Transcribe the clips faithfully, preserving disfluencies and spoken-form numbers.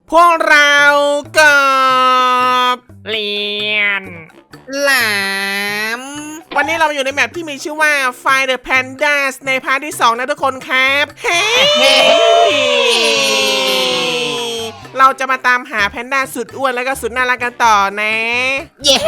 พวกเรากับเรียนหลามวันนี้เราอยู่ในแมปที่มีชื่อว่า Find the Pandas ในพาร์ทที่สองนะทุกคนครับเฮ้เราจะมาตามหาแพนด้าสุดอ้วนแล้วก็สุดน่ารักกันต่อนะเย้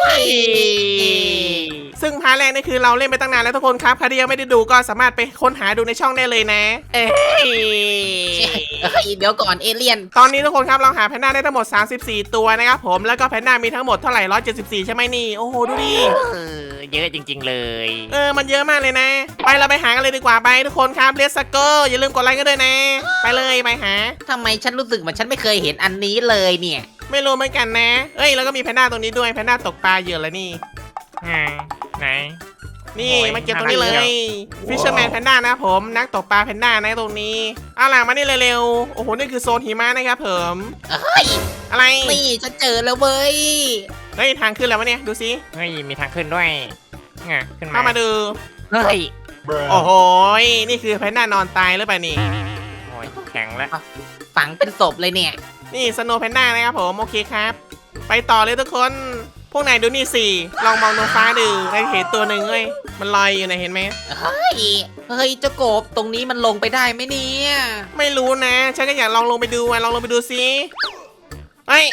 ซึ่งพาร์ทแรกนี่คือเราเล่นไปตั้งนานแล้วทุกคนครับใครที่ยังไม่ได้ดูก็สามารถไปค้นหาดูในช่องได้เลยนะเอ้ยเฮ้ยเดี๋ยวก่อนเอเลี่ยนตอนนี้ทุกคนครับเราหาแพนด้าได้ทั้งหมดสามสิบสี่ตัวนะครับผมแล้วก็แพนด้ามีทั้งหมดเท่าไหร่หนึ่งร้อยเจ็ดสิบสี่ใช่ไหมนี่โอ้โหดูดิเออเยอะจริงๆเลยเออมันเยอะมากเลยนะไปเราไปหากันเลยดีกว่าไปทุกคนครับเลสเกอร์อย่าลืมกดไลค์กันด้วยนะไปเลยไปหาทำไมฉันรู้สึกเหมือนฉันไม่เคยเห็นอันนี้เลยเนี่ยไม่รู้เหมือนกันนะเอ้ยแล้วก็มีแพนด้าตรงนี้ด้วยแพนด้าตกปลาเหยื่อแล้วนี่อ่าไหนนี่โอ้ยมาเก็บตรงนี้เลน่ารักยเชีฟิชเชอร์แมนแพนด้านะผมนักตกปลาแพนด้านะตรงนี้เอาล่ะมานี่เร็วๆโอ้โหนี่คือโซนหิมะนะครับผมเฮ้ยอะไรนี่ฉันเจอแล้วเว้ยเฮ้ยทางขึ้นแล้ววะเนี่ยดูสิเฮ้ยมีทางขึ้นด้วยอ่ะขึ้นมาเข้ามาดูเฮ้ยโอ้โหนี่คือแพนด้านอนตายหรือเปล่านี่โอ้ยแข็งแล้วฝังเป็นศพเลยเนี่ยนี่สโนว์แพนด้านะครับผมโอเคครับ ไปต่อเลยทุกคนพวกนายดูนี่สิลองมองตรงฟ้าดูได้เห็นตัวหนึ่งเว้ยมันลอยอยู่นะเห็นไหมเฮ้ยเฮ้ยเจ้ากบตรงนี้มันลงไปได้ไหมเนี่ยไม่รู้นะฉันก็อยากลองลงไปดูอ่ะลองลงไปดูสิเฮ้ย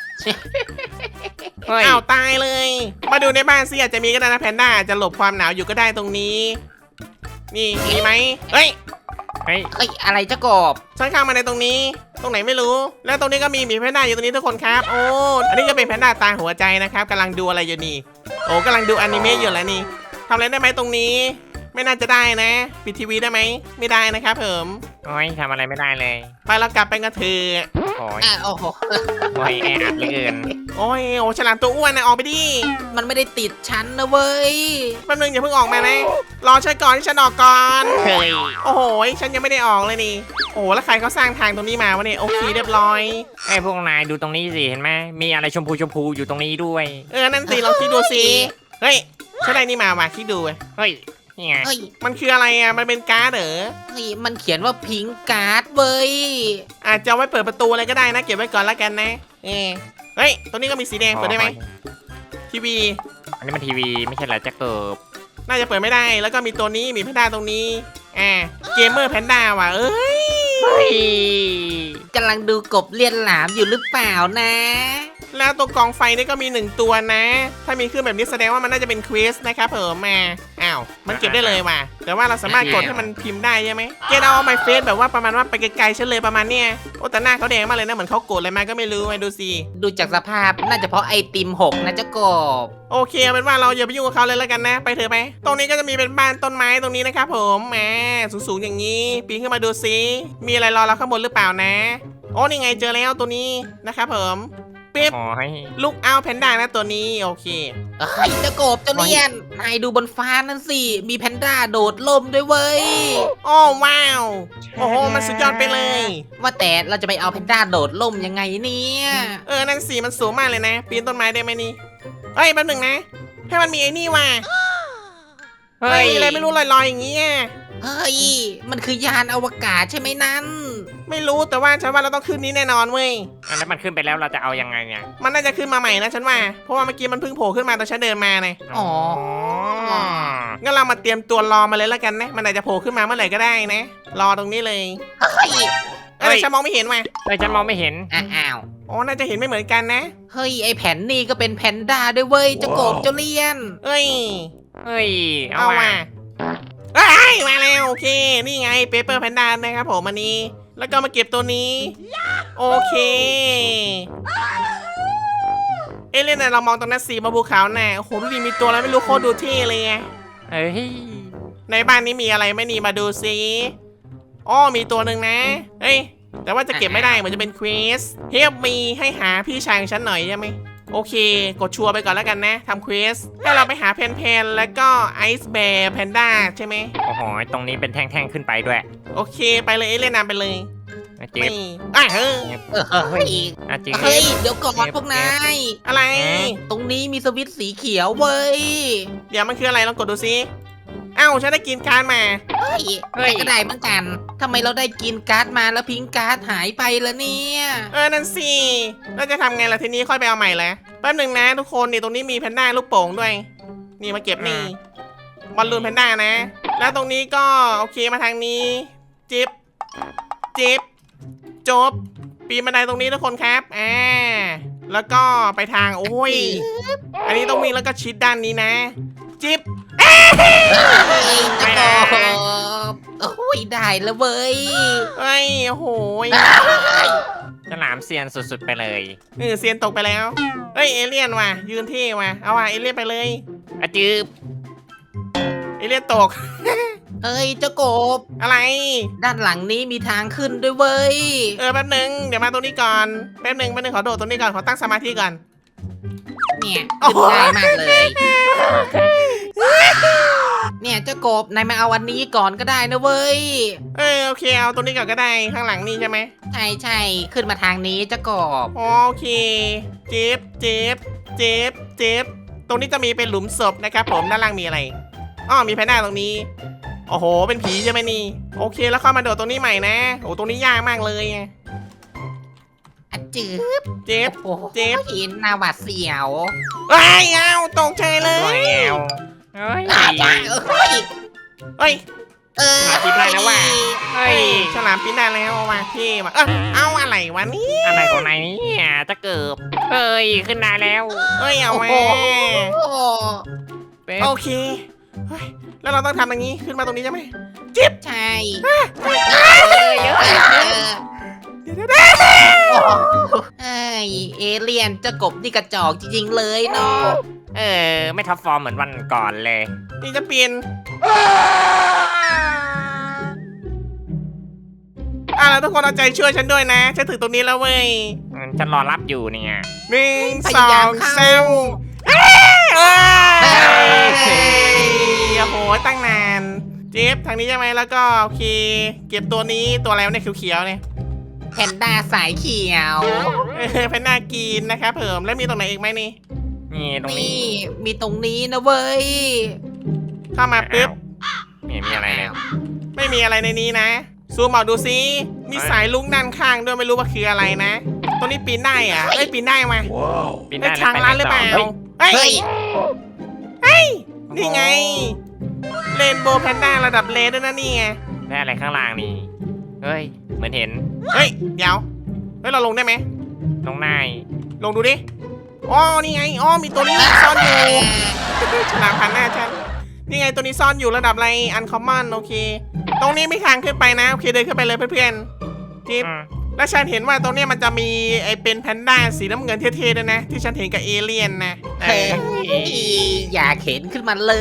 เฮ้ยอ้าวตายเลย มาดูในบ้านสิอาจจะมีก็ได้นะแพนด้าอาจจะหลบความหนาวอยู่ก็ได้ตรงนี้ นี่มีไหมเฮ้ยเฮ้ยเฮ้ยอะไรเจ้ากบฉันเข้ามาในตรงนี้ ตรงไหนไม่รู้ แล้วตรงนี้ก็มีหมีแพนด้าอยู่ตรงนี้ทุกคนครับ โอ้อันนี้ก็เป็นแพนด้าตาหัวใจนะครับกำลังดูอะไรอยู่นี่โอ้กำลังดูอนิเมะอยู่แล้วนี่ทำอะไรได้ไหมตรงนี้ ไม่น่าจะได้นะปิดทีวีได้ไหมไม่ได้นะครับผมโอ้ยทำอะไรไม่ได้เลยไปเรากลับไปกันเถอะโอ้ยอ่ะโอ้โหโอ้ยแออัดเหลือเกินโอ้ยโอ้ฉลามตัวอ้วนนะออกไปดิมันไม่ได้ติดฉันนะเว้ยแป๊บนึงอย่าเพิ่งออกมานะรอฉันก่อนที่ฉันออกก่อนเฮ้ยโอ้โหฉันยังไม่ได้ออกเลยนี่ โอ้โหแล้วใครเขาสร้างทางตรงนี้มาวะเนี่ยโอเคเรียบร้อยไอ้พวกนายดูตรงนี้สิเห็นไหมมีอะไรชมพูชมพูอยู่ตรงนี้ด้วยเออนั่นสิลองคิดดูสิเฮ้ยฉันได้นี่มาว่ะคิดดูเว้ยเฮ้ยนี่ไงเฮ้ยมันคืออะไรอ่ะมันเป็นการ์ดเหรอเฮ้ยมันเขียนว่าพิงการ์ดเว้ยอาจจะเอาไว้เปิดประตูอะไรก็ได้นะเก็บไว้ก่อนแล้วกันนะเออเฮ้ยตรงนี้ก็มีสีแดงเปิดได้ไหมทีวีอันนี้มันทีวีไม่ใช่เหรอแจ็คเกิบน่าจะเปิดไม่ได้แล้วก็มีตัวนี้มีแพนด้าตรงนี้อ่าเกมเมอร์แพนด้าว่ะเอ้ยเฮ้ยกำลังดูกบเลียนหลามอยู่หรือเปล่านะแล้วตัวกองไฟนี่ก็มีหนึ่งตัวนะ ถ้ามีขึ้นแบบนี้แสดงว่ามันน่าจะเป็นเควสนะครับเพิ่มมาอ้าวมันเก็บได้เลยว่ะแต่ว่าเราสามารถกดให้มันพิมพ์ได้ใช่ไหมเกดเอาไมเฟสแบบว่าประมาณว่าไปไกลๆฉันเลยประมาณเนี้ยโอ้แต่หน้าเขาแดงมากเลยนะเหมือนเขาโกรธอะไรมาก็ไม่รู้มาดูสิดูจากสภาพน่าจะเพราะไอติมหกนะเจ้ากบโอเคเอาเป็นว่าเราอย่าไปยุ่งกับเขาเลยแล้วกันนะ ไปเถอะไปตรงนี้ก็จะมีเป็นบ้านต้นไม้ตรงนี้นะครับผมแหมสูงๆอย่างนี้ปีนขึ้นมาดูสิมีอะไรรอเราข้างบนหรือเปล่านะโอ้นี่ไงเจอแล้วตัวนี้นะครับผมปิ๊บโอ้ยลูกเอาแพนด้านะตัวนี้โอเคเฮ้ยเจ้ากบเจ้าเลียนนายดูบนฟ้านั่นสิ มีแพนด้าโดดล่มด้วยเว้ยโอ้ว้าวโอ้โหมันสุดยอดไปเลยว่าแต่เราจะไปเอาแพนด้าโดดล่มยังไงเนี่ยเออนั่นสีมันสูงมากเลยนะปีนต้นไม้ได้ไหมนี่เอ้ยแป๊บหนึ่งนะให้มันมีไอ้นี่ว่ะเฮ้เฮ้ยยอะไรไม่รู้ลอยๆอย่างเงี้ยเฮ้ย มันคือยานอวกาศใช่ไหมนั้นไม่รู้แต่ว่าฉันว่าเราต้องขึ้นนี้แน่นอนเว้ยอันนั้นมันขึ้นไปแล้วเราจะเอายังไงเนี่ยมันน่าจะขึ้นมาใหม่นะฉันว่า เพราะว่าเมื่อกี้มันเพิ่งโผล่ขึ้นมาตอนฉันเดินมาไงอ๋องั้นเรามาเตรียมตัวรอมาเลยแล้วกันนะ มันอาจจะโผล่ขึ้นมาเมื่อไหร่ก็ได้นะ รอตรงนี้เลยเฮ้ยเอ้ยฉันมองไม่เห็นว่ะเฮ้ยฉันมองไม่เห็นอ้าวอ๋อ น่าจะเห็นไม่เหมือนกันนะเฮ้ย ไอแผ่นนี่ก็เป็นแพนด้าด้วยเว้ยเจ้ากบเจ้าเลียนเอ้ยเฮ้ยเอาเอาว่ะว่ะเอ้ยมาแล้วโอเค นี่ไงเปเปอร์แพนด้านะครับผมอันนี้ แล้วก็มาเก็บตัวนี้ โอเค เอ้ยเล่นไหนเรามองตรงนั้นสีมาภูเขาแน่โอ้โหดูดีมีตัวอะไรไม่รู้โคตรดูเท่เลยไงเฮ้ยในบ้านนี้มีอะไรไหม่นี่มาดูซิอ้อมีตัวหนึ่งนะ เฮ้ย แต่ว่าจะเก็บไม่ได้เหมือนจะเป็นเควสเฮฟมีให้หาพี่ชายของฉันหน่อยใช่ไหมโอเค กดชัวร์ไปก่อนแล้วกันนะทำเควสให้เราไปหาเพนเพนแล้วก็ไอซ์แบร์แพนด้าใช่ไหมโอ้โหตรงนี้เป็นแท่งๆขึ้นไปด้วยโอเคไปเลยเอเล่นนำไปเลยนะจิ๊บนี่อ่ะเฮ้ยเฮ้ยนะจิ๊บเฮ้ย เดี๋ยวก่อนพวกนายอะไรตรงนี้มีสวิตช์สีเขียวเว้ยเดี๋ยวมันคืออะไรลองกดดูซิเอ้าฉันได้กินการ์ดมาเฮ้ยเฮ้ยแต่ก็ได้เหมือนกันทำไมเราได้กินการ์ดมาแล้วพิงการ์ดหายไปละเนี่ยเออนั่นสิแล้วจะทำไงล่ะทีนี้ค่อยไปเอาใหม่ละแป๊บหนึ่งนะทุกคนนี่ตรงนี้มีแพนด้าลูกโป่งด้วย นี่มาเก็บนี่บอลลูนแพนด้านะ แล้วตรงนี้ก็โอเคมาทางนี้ จิ๊บจิ๊บจบปีนบันไดตรงนี้ทุกคนครับอ่าแล้วก็ไปทางโอ้ยอันนี้ต้องวิ่งแล้วก็ชิดด้านนี้นะ จิ๊บเฮ้ยจะบอกโอ้ยได้แล้วเว้ยเอ้ยโอ้โหยฉลามเซียนสุดๆไปเลยเออเซียนตกไปแล้วเอ้ยเอเลี่ยนว่ะยืนเท่ว่ะเอาว่ะเอเลี่ยนไปเลยอะจืบเอเลี่ยนตกเฮ้ยเจ้ากบอะไรด้านหลังนี้มีทางขึ้นด้วยเว้ยเออแป๊บหนึงเดี๋ยวมาตรงนี้ก่อนแป๊บหนึงแป๊บหนึงขอโดดตรงนี้ก่อนขอตั้งสมาธิก่อนเนี่ยขึ้นง่ายมากเลย เนี่ยเจ้ากบนายมาเอาวันนี้ก่อนก็ได้นะเว้ยเออโอเคเอาตรงนี้ก่อนก็ได้ข้างหลังนี่ใช่ไหมใช่ใช่ขึ้นมาทางนี้เจ้ากบอ๋อโอเคเจ็บเจ็บเจ็บเจ็บตรงนี้จะมีเป็นหลุมศพนะครับผมด้านล่างมีอะไรอ้อมีแพนด้าตรงนี้โอ้โหเป็นผีใช่ไหมนี่โอเคแล้วเข้ามาโดดตรงนี้ใหม่นะโอ้ตรงนี้ยากมากเลยไงอะจืบเจ็บโอ้โหเจ็บเห็นหน้าหวาดเสียวไอ้ยเอาตกใจเลแล้ยวเฮ้ยอ่าจ้าเฮ้ยเฮ้ยเออมาปิดได้แล้วว่ะ เฮ้ยฉลามปิ้นได้แล้วมาเท่ว่ะเออเอาอะไรวะนี่อะไรของนายเนี่ยจะเกิบเฮ้ย ขึ้นได้แล้วเอ้ยเอาโอ้มาโหเป๊ะโอเคเฮ้ยแล้วเราต้องทำอย่างนี้ขึ้นมาตรงนี้ใช่ไหมจิ๊บใช่เฮ้ยเฮ้ยเออเดี๋ยวเดี๋ยวเดี๋ยวเอ้ยเอเลี่ยนเจ้ากบนี่กระจอกจริงๆเลยเนาะเออ ไม่ท็อปฟอร์มเหมือนวันก่อนเลยนี่จะเปลี่ยนอ่ะแล้วทุกคนเอาใจช่วยฉันด้วยนะฉันถึงตรงนี้แล้วเว้ยฉันรอรับอยู่เนี่ยหนึ่งสองสามเอ้ยเอ้ยโอ้โหตั้งนานเจี๊บทางนี้ใช่ไหมแล้วก็โอเค เก็บตัวนี้ตัวอะไรวะเนี่ยเขียวๆเนี่ยแพนด้าสายเขียวเออเป็นน่ากินนะครับเพิ่มแล้วมีตรงไหนอีกไหมนี่นี่ตรงนี้นี่มีตรงนี้นะเว้ยเข้ามาปุ๊บไม่เห็นมีอะไรเลยไม่มีอะไรในนี้นะซูมออกดูซิมีสายลุกด้านข้างด้วยไม่รู้ว่าคืออะไรนะตรงนี้ปีนได้อะเอ้ยปีนได้มาปีนไอ้ได้ทางร้านหรือเปล่าฮ้ยเฮ้ยเฮ้ยนี่ไงเรนโบว์แพนด้าระดับเลนด้วยนะนี่ไงได้อะไรข้างล่างนี่ เฮ้ย เหมือนเห็นเฮ้ยเดี๋ยวเฮ้ยเราลงได้ไหมน้องนายลงดูดิอ๋อนี่ไงอ๋อมีตัวนี้ซ่อนอยู่ฉลามพันหน้าฉันนี่ไงตัวนี้ซ่อนอยู่ระดับอะไรอันคอมมอนโอเค ตรงนี้ไม่ทางขึ้นไปนะโอเคเดินขึ้นไปเลยเพื่อนๆจิ๊บอืมแล้วฉันเห็นว่าตรงเนี้ยมันจะมีไอเป็นแพนด้าสีน้ำเงินเท่ๆด้วยนะ ที่ฉันเห็นกับเอเลี่ยนนะเอเฮ้อยอยากเห็นขึ้นมาเลย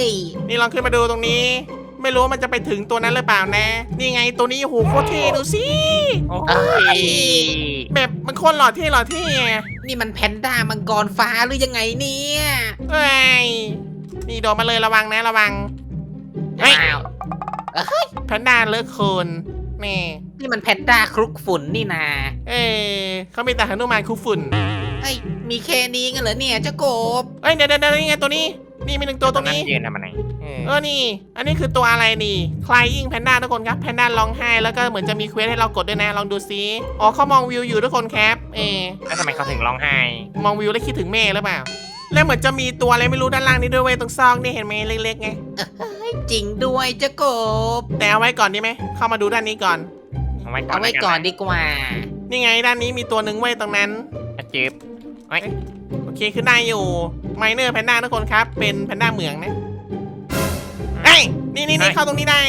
นี่ลองขึ้นมาดูตรงนี้ ไม่รู้ว่ามันจะไปถึงตัวนั้นหรือเปล่านะ นี่ไงตัวนี้โอ้โหโคตรเท่ดูสิโอ้เอ้ยยแบบมันโคตรหล่อเท่หล่อเท่อะนี่มันแพนด้ามังกรฟ้าหรือยังไงเนี่ยเอ้ยนี่โดดมาเลยระวังนะระวัง เฮ้ยอ้าวแพนด้าเลิกโคนแม่นี่มันแพนด้าคลุกฝุ่นนี่นาเออเขามีแต่หนุมานคุฝุ่นเฮ้ยมีแค่นี้กันเหรอเนี่ยเจ้ากบเอ้ยเดี๋ยวเดี๋ยวนี่ไงตัวนี้ นี่มีหนึ่งตัวตรงนี้ยืนทำอะไรเออเออ นี่ อันนี้คือตัวอะไรนี่ Crying Panda ทุกคนครับ แพนด้าร้องไห้ แล้วก็เหมือนจะมีเควสให้เรากดด้วยนะ ลองดูซิอ๋อเขามองวิวอยู่ทุกคนครับ เออแล้วทำไมเขาถึงร้องไห้มองวิวแล้วคิดถึงแม่หรือเปล่า แล้วเหมือนจะมีตัวอะไรไม่รู้ด้านล่างนี้ด้วยเว้ยตรงซอกนี่เห็นไหมเล็กๆไงจริงด้วยเจ้ากบแต่เอาไว้ก่อนดีไหม เข้ามาดูด้านนี้ก่อนเอาไว้ก่อนเอาไว้ก่อนดีกว่านี่ไงด้านนี้มีตัวหนึ่งเว้ยตรงนั้นอะจืบเฮ้ยโอเคขึ้นได้อยู่ ไมเนอร์แพนด้าทุกคนครับ เป็นแพนด้าเหมืองนะเอ้ยนี่นี่นี่เข้าตรงนี้ได้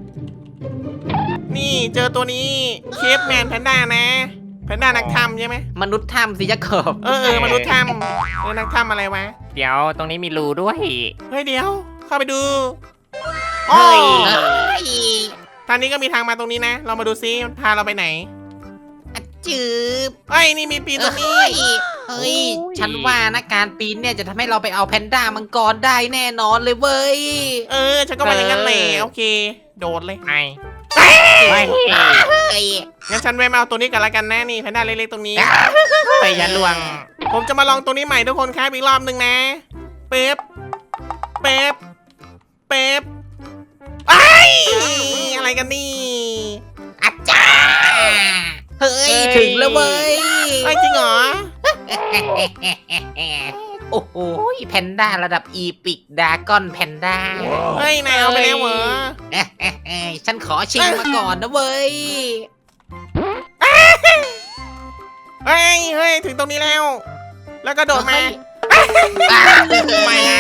นี่เจอตัวนี้เคปแมนแพนด้านะ แพนด้านักถ้ำใช่ไหมมนุษย์ถ้ำสิเจ้ากบเออเออมนุษย์ถ้ำเออนักถ้ำอะไรวะเดี๋ยวตรงนี้มีรูด้วยเฮ้ยเดี๋ยว เข้าไปดูโอ้เฮ้ยเฮ้ยทางนี้ก็มีทางมาตรงนี้นะ เรามาดูซิมันพาเราไปไหนอะจืบเฮ้ยนี่มีปีนตรงนี้เฮ้ยเฮ้ย ฉันว่านะการปีนเนี่ยจะทำให้เราไปเอาแพนด้ามังกรได้แน่นอนเลยเว้ยเออฉันก็มาอย่างนั้นแหละโอเค โดดเลยไอ้เฮ้ยเฮ้ยเฮ้ยงั้นฉันแวะมาเอาตัวนี้กันละกันนะนี่แพนด้าเล็กๆตรงนี้เฮ้ยยันลวงผมจะมาลองตัวนี้ใหม่ทุกคนครับอีกรอบหนึ่งนะ เป๊บ เป๊บ เป๊บไอ้ยอะไรกันนี่อาจารย์เฮ้ยถึงแล้วเว้ยไอ้ยจริงเหรอโอ้โหแพนด้าระดับอีพิกดากอนแพนด้าเฮ้ยนายเอาไปแล้วเหรอฉันขอชิงมาก่อนนะเว้ยเฮ้ยเฮ้ยถึงตรงนี้แล้ว แล้วก็โดดมาไม่นะ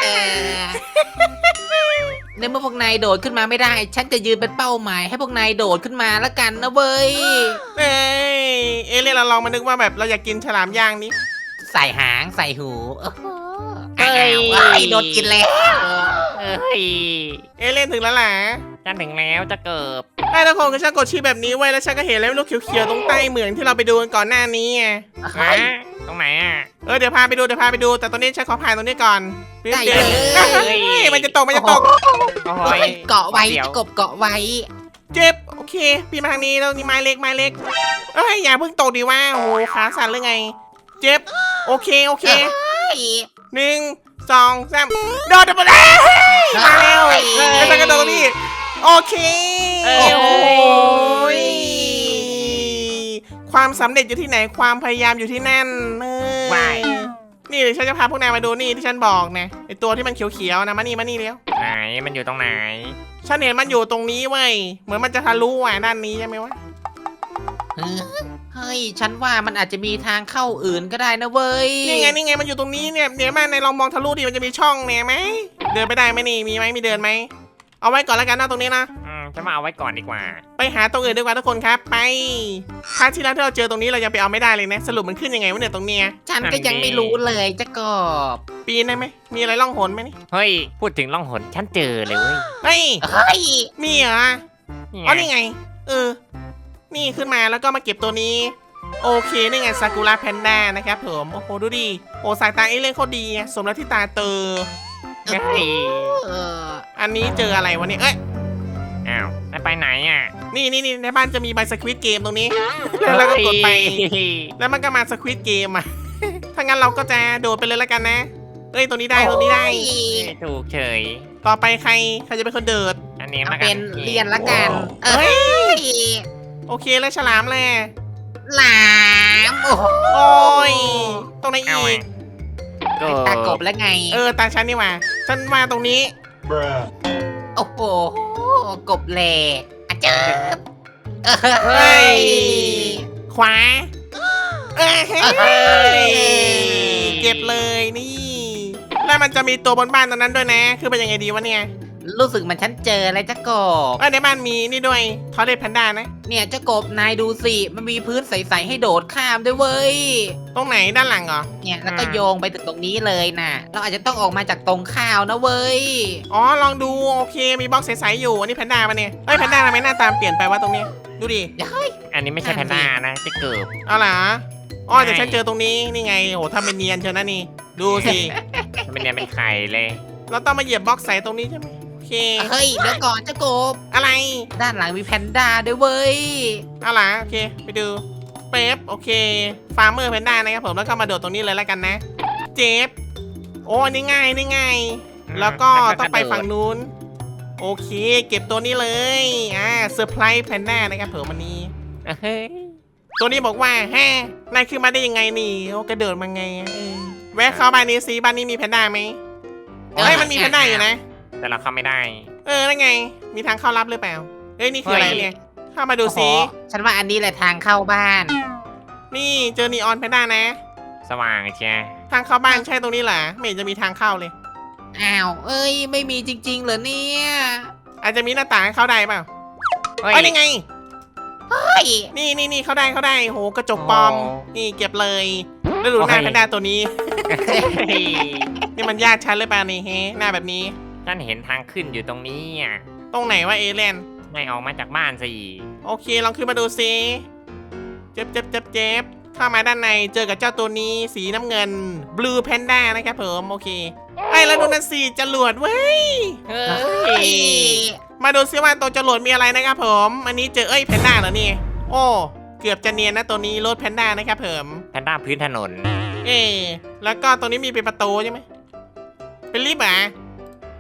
ในเมื่อพวกนายโดดขึ้นมาไม่ได้ ฉันจะยืนเป็นเป้าหมายให้พวกนายโดดขึ้นมาแล้วกันนะเว้ยเอ้ยเอเลี่ยนเราลองมานึกว่าแบบเราอยากกินฉลามย่างนี้ใส่หางใส่หูโอ้โหเฮ้ยอ้าวโดนกินแล้วเอ้ยเอเลี่ยนถึงแล้วล่ะฉันถึงแล้วจะเกิบไอ้ทุกคนก็ฉันกดชี้แบบนี้ไว้แล้วฉันก็เห็นแล้วลูกเขียวๆตรงใต้เหมืองที่เราไปดูกันก่อนหน้านี้ไงเฮ้ยฮะตรงไหนอ่ะเออเดี๋ยวพาไปดูเดี๋ยวพาไปดูแต่ตอนนี้ฉันขอผ่านตรงนี้ก่อนได้เดี๋เลวย เฮ้ยมันจะตกมันจะตกโอ้เฮ้ยยเกาะไว้ดี๋ยวกบเกาะไว้เจ็บโอเคพี่มาทางนี้แล้วนี่ไม้เล็กไม้เล็กเอ้ยอย่าเพิ่งตกดิว่าโอ้โหขาสั่นหรือไง เจ็บโอเคโอเคเฮ้ยหนึ่งสองสามโดดไปแล้วมาแล้วเฮ้ยแล้วฉันก็โดดตรงนี้โอเคเอ้โอ้ยยความสำเร็จอยู่ที่ไหนความพยายามอยู่ที่นั่นเออวายนี่เดี๋ยวฉันจะพาพวกนายมาดูนี่ที่ฉันบอกนะไอตัวที่มันเขียวๆนะมานี่มานี่เร็วไหนมันอยู่ตรงไหนฉันเห็นมันอยู่ตรงนี้เว้ยเหมือนมันจะทะลุอ่ะด้านนี้ใช่ไหมวะเฮ้ย ฉันว่ามันอาจจะมีทางเข้าอื่นก็ได้นะเว้ยนี่ไงนี่ไงมันอยู่ตรงนี้เนี่ยเดี๋ยวมาในลองมองทะลุดิมันจะมีช่องเนี่ยไหมเดินไปได้ไหมนี่มีไหมมีเดินไหมเอาไว้ก่อนแล้วกันนะตรงนี้นะอืมฉันมาเอาไว้ก่อนดีกว่าไปหาตรงอื่นดีกว่าทุกคนครับไปครั้งที่แล้วที่เราเจอตรงนี้เรายังไปเอาไม่ได้เลยนะสรุปมันขึ้นยังไงวะเนี่ยตรงเนี้ยฉันก็ยังไม่รู้เลยจะกบปีนได้ไหมมีอะไรล่องหนไหมนี่เฮ้ยพูดถึงล่องหนฉันเจอเลยเว้ยเฮ้ยเฮ้ยมีเหรอนี่อ๋อไงนี่ไงเออนี่ขึ้นมาแล้วก็มาเก็บตัวนี้โอเคนี่ไงซากุระแพนด้านะครับผมโอ้โหดูดิโอ้สายตาเอเลี่ยนโคตรดีอะสมแล้วที่ตาเตอเฮ้ยเอออันนี้เจออะไรวะเนี่ยเอ้ยอ้าวแล้วไปไหนอ่ะนี่นี่นี่ในบ้านจะมีใบสควิตเกมตรงนี้ แล้วก็กดไปเฮ้ยแล้วมันก็มาสควิตเกมอ่ะ ถ้างั้นเราก็จะโดดไปเลยแล้วกันนะ เอ้ยตรงนี้ได้ตรงนี้ได้ถูกเฉยต่อไปใครใครจะเป็นคนเดิดอันนี้เอามากัเป็นเรียนละกัน เอเฮ้้ยยโอเคแล้วฉลามแหละหลามโอ้โหโอ้ยตรงไหนเอาอีไงกก็ตากบแล้วไงเออตาฉันนี่หว่าฉันมาตรงนี้โอ้โหกบแหลกอะเจอเอเฮ้้ยยขวาเอ้ยเฮ้ยเก็บเลยนี่ แล้วมันจะมีตัวบนบ้านตรงนั้นด้วยนะ คือเป็นยังไงดีวะเนี่ยรู้สึกเหมันฉันเจออะไรจะกบเอ้ยในบ้านมีนี่ด้วยทอร์เรตแพนด้านะเนี่ยเจ้ากบนายดูสิ มันมีพื้นใสๆให้โดดข้ามด้วยเว้ยตรงไหนด้านหลังเหรอเนี่ยแล้วก็โยงไปถึงตรงนี้เลยนะเราอาจจะต้องออกมาจากตรงข้าวนะเว้ยอ๋อลองดูโอเคมีบล็อกใสๆอยู่อันนี้แพนด้าปะเนี่ยเอ้ยแพนด้าทำไมหน้าตาเปลี่ยนไปวะตรงเนี้ยดูดิอันนี้ไม่ใช่แพนด้านะจะเกิบเอาล่ะอ๋อแต่ใช่ฉันเจอตรงนี้นี่ไงโหทำเป็นเนียนเชียวนะนี่ ดูสิมันเป็นเนี่ยเป็นไข่เลยเราต้องมาเหยียบบล็อกใสตรงนี้ใช่ไหมโอเคเฮ้ยเดี๋ยวก่อนเจ้ากบอะไรด้านหลังมีแพนด้าด้วยเว้ยเอาล่ะโอเคไปดูเป๊ปโอเคฟาร์มเมอร์แพนด้านะครับผมแล้วก็มาโดดตรงนี้เลยแล้วกันนะ เจฟโอ้อันนี้ง่ายนี่ง่ายแล้วก็ต้องไปฝั่งนู้นโอเค เก็บตัวนี้เลยอ่าเซอร์ไพรส์แพนด้านะครับผมวันนี้เฮ้ยตัวนี้บอกว่าแฮนายขึ้นมาได้ยังไงนี่โอ้กระโดดมาไงอะเออแวะเข้าบ้านนี้ซิบ้านนี้มีแพนด้าไหมเอ้ยมันมีแพนด้าอยู่นะแต่เราเข้าไม่ได้เออนั่นไง มีทางเข้าลับหรือเปล่าเอ้ยนี่คืออะไรเนี่ยเข้ามาดูซิโอ้โหฉันว่าอันนี้แหละทางเข้าบ้านนี่เจอนีออนแพนด้านะสว่างเชียทางเข้าบ้านใช่ตรงนี้เหรอไม่เห็นจะมีทางเข้าเลยอ้าว เอ้ย ไม่มีจริงๆเหรอเนี่ยอาจจะมีหน้าต่างให้เข้าได้เปล่าเฮ้ยเอ้ยนี่ไงเฮ้ยนี่นี่นี่เข้าได้เข้าได้โหกระจกปลอมโอ้นี่เก็บเลย แล้วดูหน้าโอ้ยแพนด้าตัวนี้เฮ้ยนี่มันญาติฉันหรือเปล่านี่เฮ้หน้าแบบนี้ฉันเห็นทางขึ้นอยู่ตรงนี้อ่ะตรงไหนวะเอเลนไม่ออกมาจากบ้านสิโอเคลองขึ้นมาดูซิเจ็บเจ็บเจ็บเจ็บเข้ามาด้านในเจอกับเจ้าตัวนี้สีน้ำเงิน Blue Panda นะครับผมโอเคไอ้แล้วดูนั่นสิจรวดเว้ยเฮ้เฮ้ยยมาดูซิว่าตัวจรวดมีอะไรนะครับผม อันนี้เจอเอ้ยแพนด้าเหรอนี่ โอ้เกือบจะเนียนนะตัวนี้รถแพนด้านะครับผมแพนด้าพื้นถนนเอแล้วก็ตรงนี้มีเป็นประตูใช่ไหมเป็นลิฟต์เหรอไ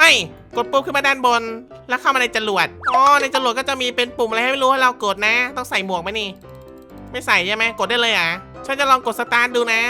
อ้ยกดปุ๊บขึ้นมาด้านบน แล้วเข้ามาในจรวดอ๋อในจรวดก็จะมีเป็นปุ่มอะไรให้ไม่รู้ให้เรากดนะ ต้องใส่หมวกไหมนี่ ไม่ใส่ใช่ไหมกดได้เลยอ่ะฉันจะลองกดสตาร์ทดูนะ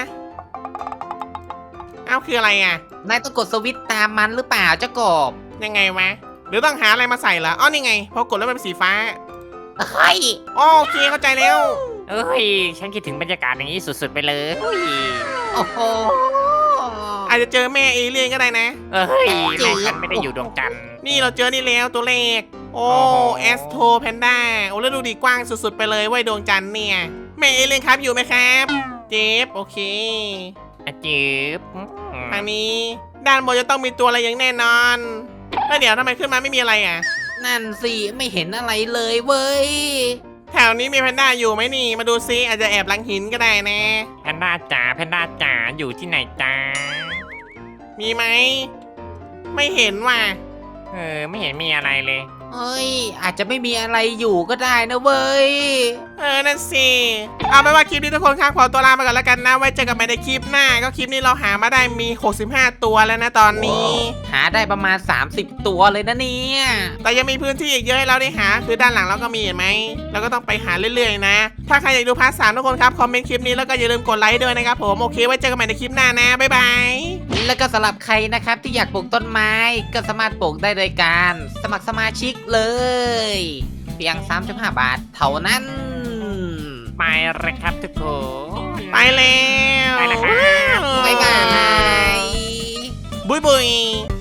เอ้าคืออะไรอ่ะนายต้องกดสวิตช์ตามมันหรือเปล่าเจ้ากบยังไงวะหรือต้องหาอะไรมาใส่เหรออ๋อนี่ไงพอกดแล้วมันเป็นสีฟ้าเฮ้ยอ๋อโอเคเข้าใจแล้วเอ้ย ฉันคิดถึงบรรยากาศอย่างนี้สุดๆไปเลยโอ้โหอาจจะเจอแม่เอเลี่ยนก็ได้นะเอ้ยแม่ฉันไม่ได้อยู่ดวงจันทร์นี่เราเจอนี่แล้วตัวเลขโอ้โอ้โหแอสโทแพนด้าโอ้แล้วดูดีกว้างสุดๆไปเลยเว้ยดวงจันทร์เนี่ยแม่เอเลี่ยนครับอยู่ไหมครับเจฟโอเคอะจืบทางนี้ด้านบนจะต้องมีตัวอะไรอย่างแน่นอนแล้วเดี๋ยวทำไมขึ้นมาไม่มีอะไรอ่ะนั่นสิไม่เห็นอะไรเลยเว้ยแถวนี้มีแพนด้าอยู่ไหมนี่มาดูซิอาจจะแอบหลังหินก็ได้นะแพนด้าจ๋าแพนด้าจ๋าอยู่ที่ไหนจ้ามีไหมไม่เห็นว่ะเออไม่เห็นมีอะไรเลยเฮ้ย อาจจะไม่มีอะไรอยู่ก็ได้นะเว้ยเออนั่นสิเอาเป็นว่าคลิปนี้ทุกคนครับขอตัวลาไปก่อนแล้วกันนะไว้เจอกันใหม่ในคลิปหน้าก็คลิปนี้เราหามาได้มีหกสิบห้าตัวแล้วนะตอนนี้หาได้ประมาณ สามสิบ ตัวเลยนะเนี่ยแต่ยังมีพื้นที่อีกเยอะให้เราได้หา คือด้านหลังเราก็มีเห็นไหมเราก็ต้องไปหาเรื่อยๆนะ ถ้าใครอยากดูพาร์ทสามทุกคนครับ คอมเมนต์คลิปนี้แล้วก็อย่าลืมกดไลค์ด้วยนะครับผม โอเค ไว้เจอกันใหม่ในคลิปหน้านะ บ๊ายบายแล้วก็สำหรับใครนะครับที่อยากปลูกต้นไม้ก็สามารถปลูกได้โดยการสมัครสมาชิกเลย เพียง สามสิบห้า บาทเท่านั้นไปเลยครับทุกคนไปแล้วไปแล้วครับบ๊ายบายบุยบุย